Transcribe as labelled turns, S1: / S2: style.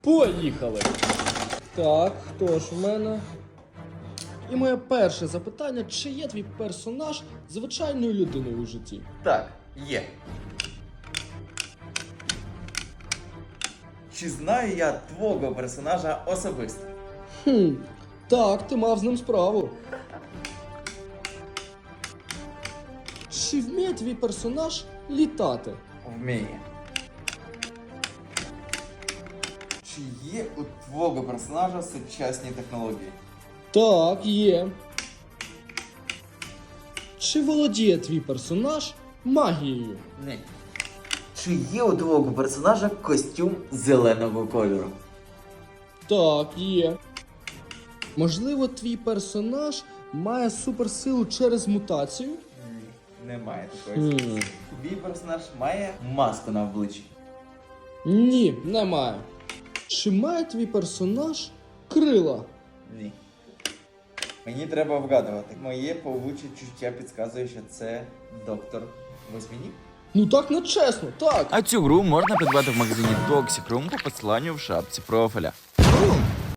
S1: Поїхали! Так, хто ж в мене? І моє перше запитання, чи є твій персонаж звичайною людиною у житті?
S2: Так, є. Чи знаю я твого персонажа особисто?
S1: Так, ти мав з ним справу. Чи вміє твій персонаж літати?
S2: Вміє. Чи є у твого персонажа сучасні технології?
S1: Так, є. Чи володіє твій персонаж магією?
S2: Ні. Чи є у твого персонажа костюм зеленого кольору?
S1: Так, є. Можливо, твій персонаж має суперсилу через мутацію?
S2: Ні, немає такої ситуації. Твій персонаж має маску на обличчі?
S1: Ні, немає. Чи має твій персонаж крила?
S2: Ні. Мені треба вгадувати. Моє павуче чуття підказує, що це доктор Восьминік.
S1: Ну так не чесно, так.
S3: А цю гру можна придбати в магазині Toxic Room по посиланню в шапці профіля.